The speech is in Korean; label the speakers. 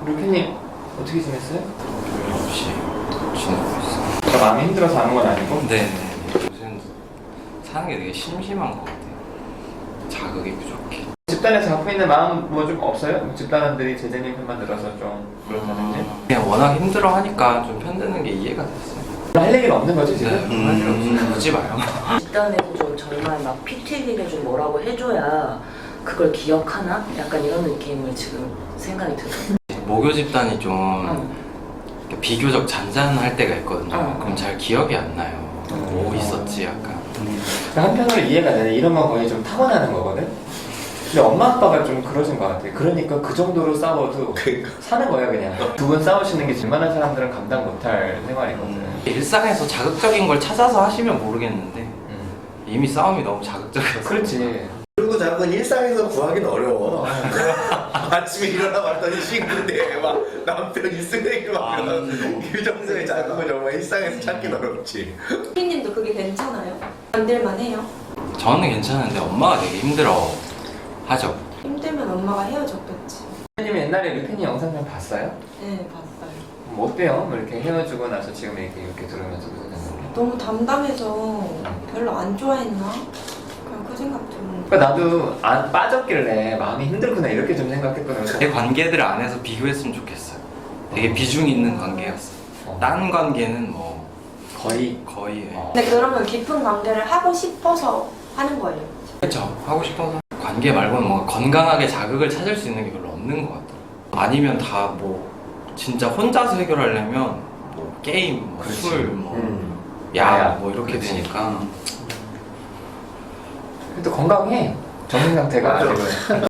Speaker 1: 루피님 어떻게 지냈어요?
Speaker 2: 별일 없이 지내고 있어.
Speaker 1: 저 마음이 힘들어서 하는 건 아니고?
Speaker 2: 네네. 요새는 사는 게 되게 심심한 것 같아요. 자극이 부족해.
Speaker 1: 집단에서 갖고 있는 마음 뭐 좀 없어요? 집단원들이 제재님 편만 들어서 좀 그렇다든지?
Speaker 2: 그냥 워낙 힘들어 하니까 좀 편드는 게 이해가 됐어요.
Speaker 1: 할 얘기는 없는 거지 지금?
Speaker 2: 네, 할 일 없으면 굳이 마요.
Speaker 3: 집단에서 좀 정말 막 피 튀기게 좀 뭐라고 해줘야 그걸 기억하나? 약간 이런 느낌을 지금 생각이 들어요.
Speaker 2: 모교 집단이 좀 이렇게 비교적 잔잔할 때가 있거든요. 그럼 잘 기억이 안 나요. 뭐 있었지 약간.
Speaker 1: 한편으로 이해가 되네. 이런 건 거의 좀 타고나는 거거든? 근데 엄마 아빠가 좀 그러신 것 같아. 그러니까 그 정도로 싸워도 사는 거야 그냥. 두 분 싸우시는 게 웬만한 사람들은 감당 못할 생활이거든.
Speaker 2: 일상에서 자극적인 걸 찾아서 하시면 모르겠는데 이미 싸움이 너무 자극적이어서.
Speaker 1: 그렇지.
Speaker 4: 그리고 자꾸 일상에서 구하기는 어려워. 아침에 일어나 봤더니 친구인데 막 남편 일승내기로 막 규정성의 자극을 정말 일상에서 찾기는 어렵지.
Speaker 5: 피님도 그게 괜찮아요? 만들만 해요?
Speaker 2: 저는 괜찮은데 엄마가 되게 힘들어 하죠.
Speaker 5: 힘들면 엄마가 헤어졌겠지.
Speaker 1: 선생님이 옛날에 루피님 영상 좀 봤어요?
Speaker 5: 네, 봤어요.
Speaker 1: 뭐 어때요? 뭐 이렇게 헤어지고 나서 지금 이렇게 들으면서 그러셨는데.
Speaker 5: 너무 담담해서 별로 안 좋아했나? 그냥 그 생각 드는.
Speaker 1: 그러니까 나도 안 빠졌길래 마음이 힘들구나 이렇게 좀 생각했거든.
Speaker 2: 제 관계들 안에서 비교했으면 좋겠어요. 되게 비중 있는 관계였어요. 딴 관계는 뭐
Speaker 1: 거의
Speaker 2: 거의
Speaker 5: 근데 그러면 깊은 관계를 하고 싶어서 하는 거예요.
Speaker 2: 그렇죠. 하고 싶어서 관계 말고는 뭔가 건강하게 자극을 찾을 수 있는 게 별로 없는 것 같아요. 아니면 다 뭐 진짜 혼자서 해결하려면 뭐 게임, 뭐 술, 뭐 약, 뭐 이렇게
Speaker 1: 그렇지.
Speaker 2: 되니까
Speaker 1: 또 건강해. 정신 상태가
Speaker 4: 맞아.
Speaker 1: 아직은.